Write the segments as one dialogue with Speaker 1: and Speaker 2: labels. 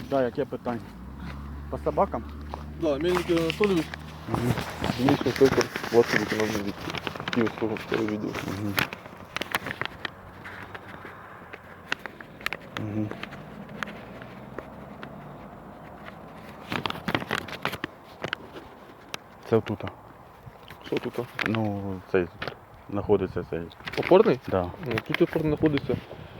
Speaker 1: Да, яке питання? По собакам?
Speaker 2: Да, Мельник Ігор Анатолійович, дільничний інспектор, власне виконавний від Київського відділу.
Speaker 1: Це тут.
Speaker 2: Що тут?
Speaker 1: Ну, цей знаходиться цей.
Speaker 2: Опорний?
Speaker 1: Да.
Speaker 2: Ну, тут опорний знаходиться.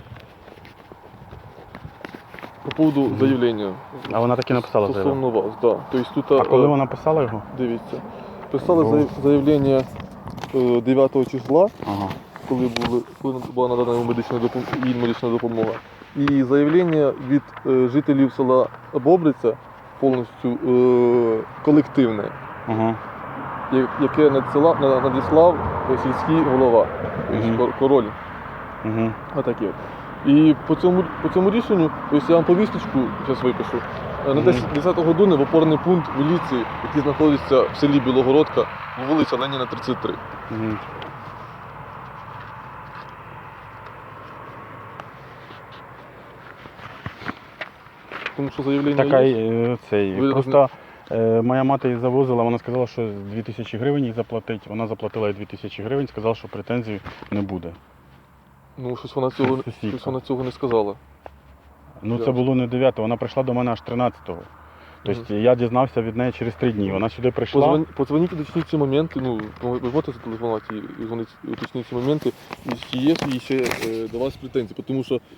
Speaker 2: По поводу заявлення.
Speaker 1: А вона так і написала заяву.
Speaker 2: Стосовно вас, да. Тобто тут,
Speaker 1: А коли вона писала його?
Speaker 2: дивіться, писали заявлення 9 числа,
Speaker 1: Ага.
Speaker 2: коли була надана йому медична допомога. І заявлення від жителів села Бобриця повністю колективне,
Speaker 1: Ага.
Speaker 2: яке надіслав сільський голова, тобто король.
Speaker 1: Угу.
Speaker 2: Отаке. І по цьому рішенню, тобто я вам повісточку зараз випишу, на 10 години в опорний пункт міліції, який знаходиться в селі Білогородка, вулиця Леніна, 33.
Speaker 1: Угу.
Speaker 2: Тому що заявлення
Speaker 1: Така
Speaker 2: є.
Speaker 1: цей.
Speaker 2: Ви
Speaker 1: Просто моя мати її завозила, вона сказала, що 2000 гривень їй заплатить. Вона заплатила їй 2000 гривень, сказала, що претензій не буде.
Speaker 2: Ну, щось
Speaker 1: Сусідка.
Speaker 2: вона цього не сказала.
Speaker 1: Ну це
Speaker 2: Ясно.
Speaker 1: було не 9-го, вона прийшла до мене аж 13-го. Тобто я дізнався від неї через 3 дні. Вона сюди прийшла.
Speaker 2: Позвоніть, уточніть ці моменти, ну, ви можете зателефонувати і уточніть ці моменти, і чи є ще до вас претензії, тому що